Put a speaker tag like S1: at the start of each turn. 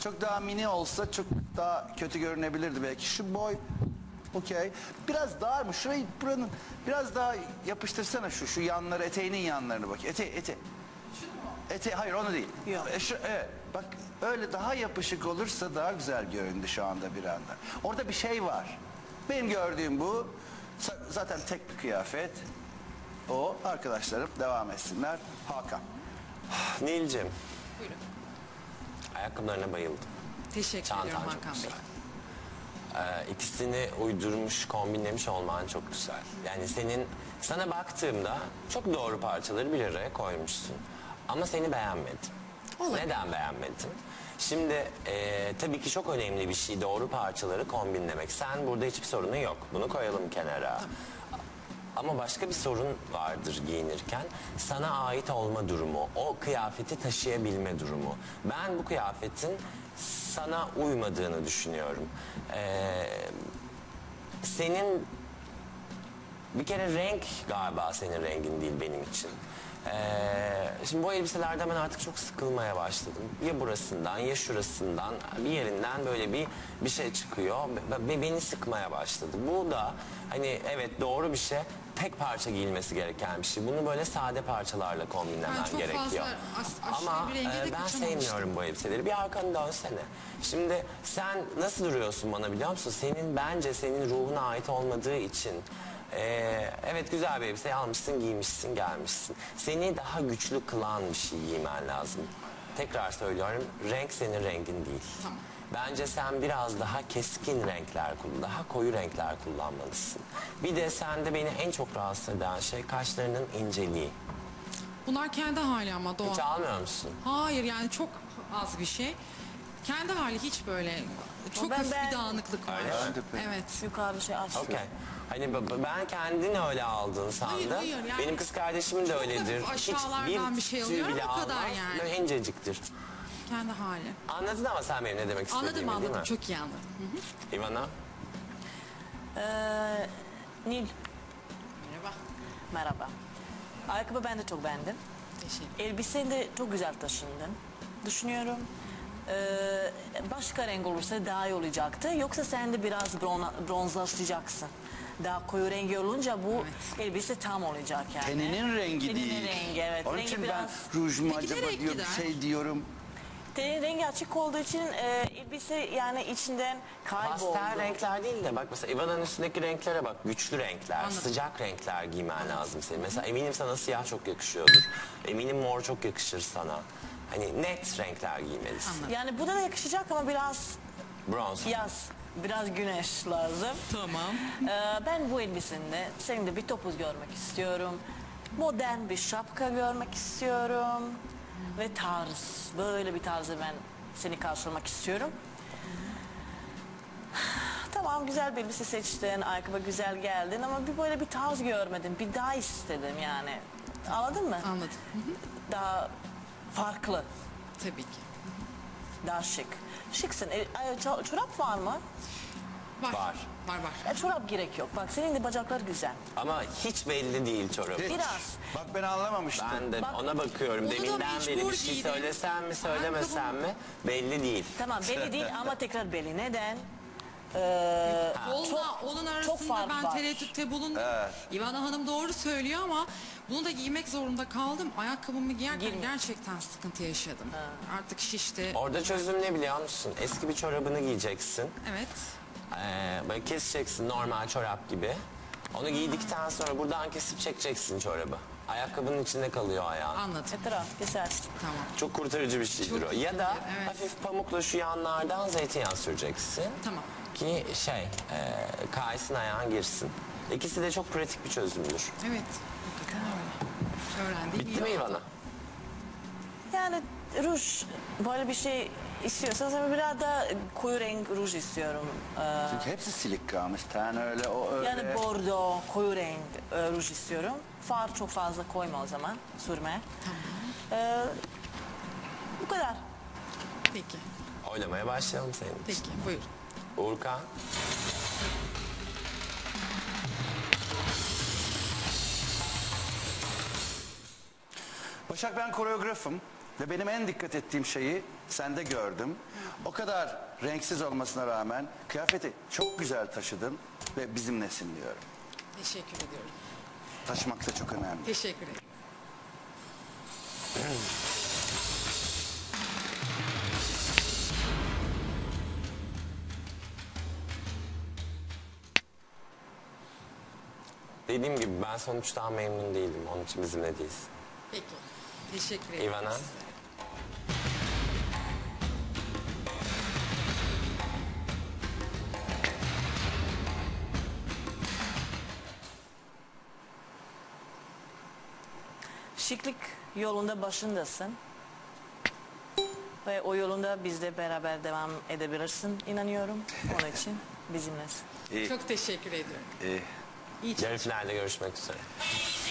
S1: Çok daha mini olsa çok daha kötü görünebilirdi belki. Şu boy okey. Biraz dar mı? Şurayı buranın biraz daha yapıştırsana şu yanları, eteğinin yanlarını bak. Hayır onu değil.
S2: Yok.
S1: Evet, bak öyle daha yapışık olursa daha güzel göründü şu anda bir anda. Orada bir şey var. Benim gördüğüm bu. Zaten tek bir kıyafet. O arkadaşlarım devam etsinler. Hakan.
S3: Nilcim,
S4: Buyurun.
S3: ayakkabılarına bayıldım.
S4: Teşekkür
S3: Çantan
S4: ediyorum
S3: çok
S4: Hakan Bey.
S3: güzel. İkisini uydurmuş, kombinlemiş olman çok güzel. Yani sana baktığımda çok doğru parçaları bir araya koymuşsun. Ama seni beğenmedim.
S4: Olabilir.
S3: Neden beğenmedin? Şimdi tabii ki çok önemli bir şey doğru parçaları kombinlemek. Sen burada hiçbir sorunun yok. Bunu koyalım kenara. Ama başka bir sorun vardır giyinirken. Sana ait olma durumu, o kıyafeti taşıyabilme durumu. Ben bu kıyafetin sana uymadığını düşünüyorum. Senin bir kere renk galiba senin rengin değil benim için. Şimdi bu elbiselerden ben artık çok sıkılmaya başladım. Ya burasından ya şurasından bir yerinden böyle bir şey çıkıyor ve beni sıkmaya başladı. Bu da hani evet doğru bir şey. Tek parça giyilmesi gereken bir şey. Bunu böyle sade parçalarla kombinlemen
S4: çok
S3: gerekiyor.
S4: fazla
S3: Ama
S4: bir renge de
S3: ben
S4: kaçamamıştım.
S3: sevmiyorum bu elbiseleri. Bir arkanı dönsene. Şimdi sen nasıl duruyorsun bana biliyor musun? Bence senin ruhuna ait olmadığı için evet güzel bir elbise almışsın, giymişsin, gelmişsin. Seni daha güçlü kılan bir şey giymen lazım. Tekrar söylüyorum, renk senin rengin değil.
S4: Tamam.
S3: Bence sen biraz daha keskin renkler, daha koyu renkler kullanmalısın. Bir de sende beni en çok rahatsız eden şey kaşlarının inceliği.
S4: Bunlar kendi hali ama doğal.
S3: Hiç almıyor musun?
S4: Hayır yani çok az bir şey. Kendi hali hiç böyle çok
S2: Ben
S4: hafif bir
S2: beğendim.
S4: dağınıklık var.
S3: Öyle mi?
S1: Ben de pek.
S4: Evet.
S2: Yukarıda şey aç.
S3: Okey. Hani ben kendini öyle aldın sandım.
S4: Hayır, yani
S3: Benim kız kardeşimin de
S4: çok
S3: öyledir.
S4: hafif aşağılardan bir şey
S3: tüy
S4: alıyorum,
S3: bile
S4: o kadar
S3: almaz.
S4: yani.
S3: Böyle inceciktir.
S4: Kendi hali.
S3: Anladın ama sen benim ne demek istediğimi
S4: Anladım
S3: değil mi?
S4: çok iyi anladım. Hı hı.
S3: İvana?
S2: Nil,
S4: Merhaba.
S2: merhaba. Ayakkabı ben de çok beğendim.
S4: Teşekkür.
S2: Elbiseni de çok güzel taşındın. Düşünüyorum. Başka renk olursa daha iyi olacaktı. Yoksa sen de biraz bronzlaşacaksın. Daha koyu rengi olunca bu elbise tam olacak yani.
S1: Teninin rengi
S2: Teninin
S1: değil.
S2: rengi, evet.
S1: Onun
S2: Rengi
S1: için
S2: biraz-
S1: ben ruj mu
S4: Peki
S1: acaba
S4: nereye
S1: diyor bir
S4: gider?
S1: şey diyorum.
S2: Tenin rengi açık olduğu için elbise yani içinden kayboldu.
S3: Pastel renkler değil de bak mesela Ivana'nın üstündeki renklere bak. Güçlü renkler,
S4: Anladım.
S3: sıcak renkler giymen lazım senin. Mesela eminim sana siyah çok yakışıyordur. Eminim mor çok yakışır sana. Hani net renkler giymelisin.
S4: Anladım.
S2: Yani bu da yakışacak ama biraz
S3: Bronz.
S2: yaz, biraz güneş lazım.
S4: Tamam.
S2: Ben bu elbisinde senin de bir topuz görmek istiyorum. Modern bir şapka görmek istiyorum. Ve tarz, böyle bir tarzı ben seni karşılamak istiyorum. Tamam güzel bir elbise seçtin, ayakkabı güzel geldin ama böyle bir tarz görmedim. Bir daha istedim yani. Anladın mı?
S4: Anladım. Hı hı.
S2: Daha farklı,
S4: Tabii ki.
S2: daha şık. Şıksın. Çorap var mı?
S4: Var.
S3: Var.
S4: Var.
S2: Çorap gerek yok. Bak senin de bacaklar güzel.
S3: Ama hiç belli değil çorabı.
S1: Hiç.
S2: Biraz.
S1: Bak ben anlamamıştım.
S3: Ben de
S2: Bak,
S3: ona bakıyorum.
S4: onu da
S3: Deminden beri
S4: mecbur
S3: bir şey
S4: giydim.
S3: söylesem mi söylemesem mi belli değil.
S2: Tamam belli değil ama tekrar belli. Neden?
S4: Onunla onun arasında
S2: fark
S4: ben
S2: var.
S4: tereddütte bulundum. İvana Hanım doğru söylüyor ama bunu da giymek zorunda kaldım. Ayakkabımı giyerken
S2: Girmiyor.
S4: gerçekten sıkıntı yaşadım. Artık şişti.
S3: Orada çözüm ne biliyor musun? Eski bir çorabını giyeceksin.
S4: Evet.
S3: Böyle keseceksin normal çorap gibi. Onu giydikten sonra buradan kesip çekeceksin çorabı. Ayakkabının içinde kalıyor ayağın.
S4: Anladım.
S2: Etraf güzel.
S4: Tamam.
S3: Çok kurtarıcı bir şeydir
S4: Çok
S3: o. Ya da
S4: iyi, evet.
S3: hafif pamukla şu yanlardan zeytinyağı süreceksin.
S4: Tamam.
S3: Ki kaysın ayağın girsin. İkisi de çok pratik bir çözümdür.
S4: Evet. Hakikaten öyle. Öğrendiğim
S3: Bitti
S4: iyi
S3: mi
S4: oldu.
S3: İvana?
S2: Yani ruj böyle bir şey istiyorsanız ama biraz da koyu renk ruj istiyorum.
S1: Çünkü hepsi silik kalmış. Ten öyle o öyle.
S2: Yani bordo, koyu renk ruj istiyorum. Far çok fazla koyma o zaman sürme. Bu kadar.
S4: Peki.
S3: Oylamaya başlayalım senin için.
S4: Peki. Buyur.
S3: Uğurkan.
S1: Başak ben koreografım. Ve benim en dikkat ettiğim şeyi sende gördüm. O kadar renksiz olmasına rağmen kıyafeti çok güzel taşıdın ve bizimlesin diyorum.
S4: Teşekkür ediyorum.
S1: Taşımak da çok önemli.
S4: Teşekkür ederim.
S3: Dediğim gibi ben sonuçtan memnun değilim. Onun için bizimle değilsin.
S4: Peki. Teşekkür ederim.
S3: Ivana?
S4: size.
S2: Şıklık yolunda başındasın. Ve o yolunda bizle beraber devam edebilirsin inanıyorum. Onun için bizimlesin.
S1: İyi,
S4: Çok teşekkür ediyorum.
S1: iyi.
S4: İyi
S3: Yarı finalde görüşmek üzere.